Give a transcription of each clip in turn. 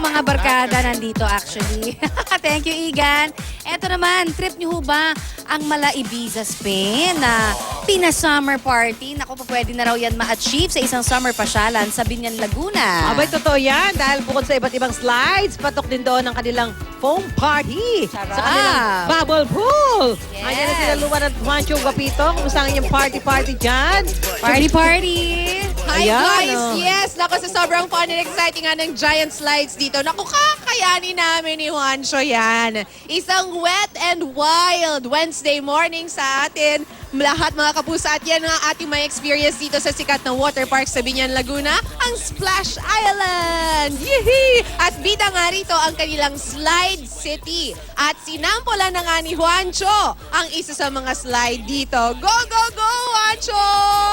kong mga barkada nandito actually. Thank you, Igan. Eto naman, trip niyo ho ba ang Mala Ibiza, Spain na pina-summer party? Naku, pa pwede na raw yan ma-achieve sa isang summer pasyalan sa Binyan, Laguna. Abay, totoo yan. Dahil bukod sa iba't ibang slides, patok din doon ang kanilang foam party. Sarap. Sa kanilang bubble pool. Yes. Ayan na sila Luan at Juancho Guapito. Kumusta ang inyong party-party dyan? Party! Hi Ayan, guys! oh. Yes! Naku, sa sobrang fun and exciting nga ng giant slides dito. Naku, kakayanin namin ni Juancho yan. Isang wet and wild Wednesday morning sa atin. Lahat mga kapusa at yan nga ating may experience dito sa sikat na water park sa Binyan, Laguna, ang Splash Island! Yee! At bida nga rito ang kanilang Slide City. At sinampola na nga ni Juancho ang isa sa mga slide dito. Go, go, go, Juancho!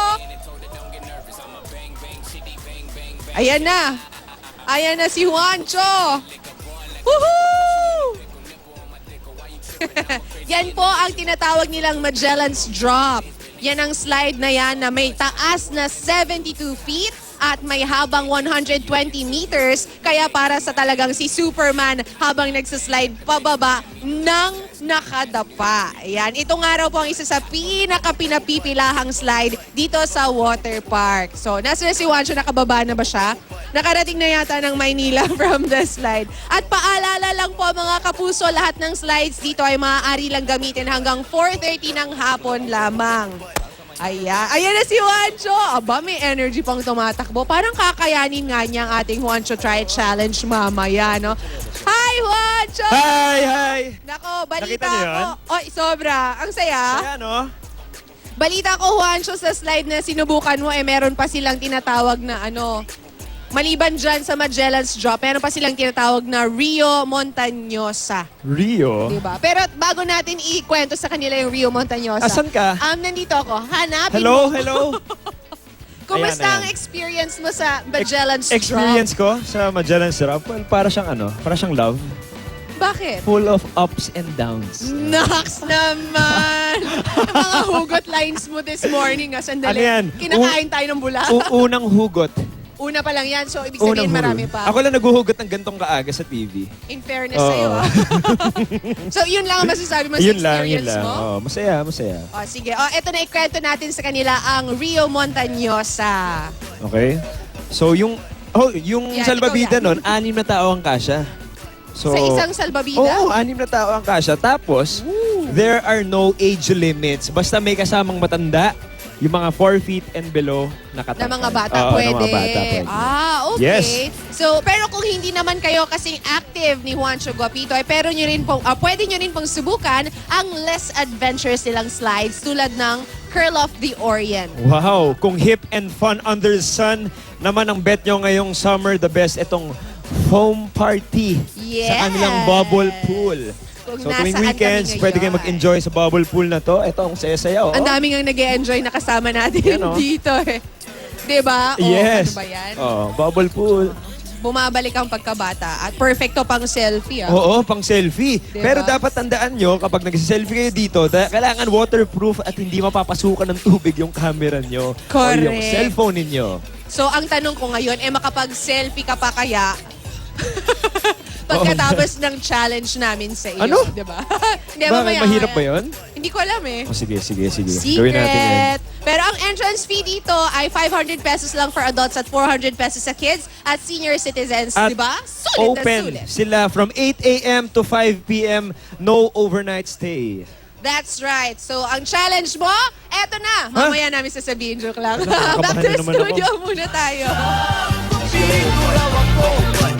Ayan na. Ayan na si Juancho. Woohoo! Yan po ang tinatawag nilang Magellan's Drop. Yan ang slide na yan na may taas na 72 feet at may habang 120 meters. Kaya para sa talagang si Superman habang nagsaslide pababa ng nakadapa. Ayan. Ito nga raw po ang isa sa pinaka-pinapipilahang slide dito sa water park. So, nasa na si Juancho, nakababa na ba siya? Nakarating na yata ng Maynila from the slide. At paalala lang po mga kapuso, lahat ng slides dito ay maaari lang gamitin hanggang 4:30 ng hapon lamang. Ayan na si Juancho. Aba, may energy pang tumatakbo. Parang kakayanin nga niya ang ating Juancho Try It Challenge mamaya, no? Hi, Juancho! Hi! Nako, balita Nakita niyo ko. yan? Oy, sobra. Ang saya. Ayan, oh. Balita ko, Juancho, sa slide na sinubukan mo, meron pa silang tinatawag na maliban dyan sa Magellan's Drop, meron pa silang tinatawag na Rio Montañosa. Rio? Diba? Pero bago natin ikwento sa kanila yung Rio Montañosa. Asan ka? Nandito ako. Hanapin Hello, mo. hello. Kumusta Ayan, ang ayan. experience mo sa Magellan's Experience Drop? ko sa Magellan's Drop, well, para siyang love. Bakit? Full of ups and downs. Naks naman! Mga hugot lines mo this morning. Sandali. Ano yan? Kinakain tayo ng bula. Unang hugot. Una pa lang yan. So, ibig sabihin marami pa. Ako lang naguhugot ng gantong kaaga sa TV. In fairness Oo. sa'yo. So, yun lang ang masasabi mo sa Yun lang. experience mo? Oh, masaya. O, sige. O, eto na ikwento natin sa kanila ang Rio Montañosa. Okay? So, yung Yan, salbabida ikaw yan. nun, 6 na tao ang kasya. So, Sa isang salbabida? Oo, 6 na tao ang kasya. Tapos, there are no age limits. Basta may kasamang matanda, yung mga 4 feet and below nakatangkad. Na mga bata Oo, pwede. na mga bata pwede. Okay. Yes. So, pero kung hindi naman kayo kasing active ni Juancho Guapito, pero nyo rin pong, pwede nyo rin pong subukan ang less adventurous nilang slides tulad ng Curl of the Orient. Wow, kung hip and fun under the sun naman ang bet nyo ngayong summer, the best itong foam party Yes. sa kanilang bubble pool. Kung So tuwing nasaan weekends, kami pwede kayo ngayon. mag-enjoy sa bubble pool na to. Ito ang saya-saya. Oh. Ang daming ang nag-e-enjoy na kasama natin Yan, oh. dito eh. Diba? Yes. Ano ba yan? Oh, bubble pool. Bumabalik ang pagkabata at perfecto pang selfie. Oo, pang selfie. Diba? Pero dapat tandaan nyo, kapag nag-selfie kayo dito, kailangan waterproof at hindi mapapasukan ng tubig yung camera nyo. Correct. O yung cellphone ninyo. So, ang tanong ko ngayon, makapag-selfie ka pa kaya? Pagkatapos ng challenge namin sa iyo, Ano? di ba? Hindi, Bakit? mamaya. Mahirap ba yun? Hindi ko alam eh. Oh, sige. Gawin natin yan. Secret! Pero ang entrance fee dito ay 500 pesos lang for adults at 400 pesos sa kids at senior citizens, At di ba? Sulit na open sulit. sila from 8 a.m. to 5 p.m. No overnight stay. That's right. So, ang challenge mo, eto na. Mamaya namin sasabihin, joke lang. Nakakabahan Back to na naman ako. studio muna tayo. Siguro ako